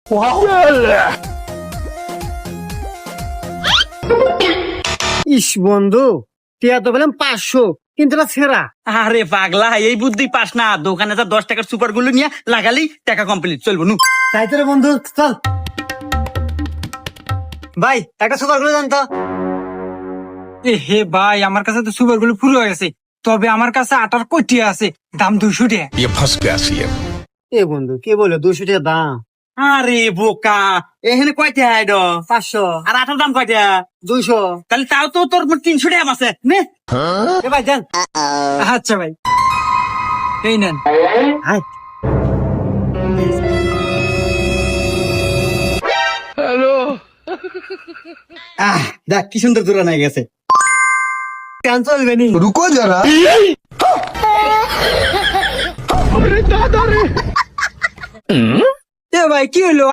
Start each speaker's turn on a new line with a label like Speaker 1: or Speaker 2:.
Speaker 1: ইস বন্ধু, টিয়া তো বললাম 500, কিন্তু এটা ছেঁড়া।
Speaker 2: আরে পাগলা, এই বুদ্ধি পাস না। দোকানে যা 10 টাকার সুপার গুলো নিয়ে লাগালেই টাকা কমপ্লিট, চলবো নু।
Speaker 1: তাই তো রে বন্ধু, চল ভাই একটা সুপার গুলো জানতো।
Speaker 3: এ হে ভাই, আমার কাছে তো সুপার গুলো পুরো হয়ে গেছে, তবে আমার কাছে আটার কটিয়া আছে, দাম 200 টাকা।
Speaker 4: ये फंस गया सीएम।
Speaker 1: এ বন্ধু কে বলে 200 টাকা দাম?
Speaker 2: আরে বোকা, এখানে কয়টা আইড?
Speaker 1: 500,
Speaker 2: আর আটার দাম কয়টা?
Speaker 1: 200।
Speaker 2: তাহলে তাও তো তোর 300 টাকা আছে নে।
Speaker 1: এ ভাই যান।
Speaker 3: আচ্ছা ভাই, এই নেন।
Speaker 1: হাই
Speaker 2: দেখ কি সুন্দর দূরে নিয়ে গেছে।
Speaker 1: কেন চলবে নি?
Speaker 4: रुको जरा।
Speaker 3: এ ভাই কি হলো,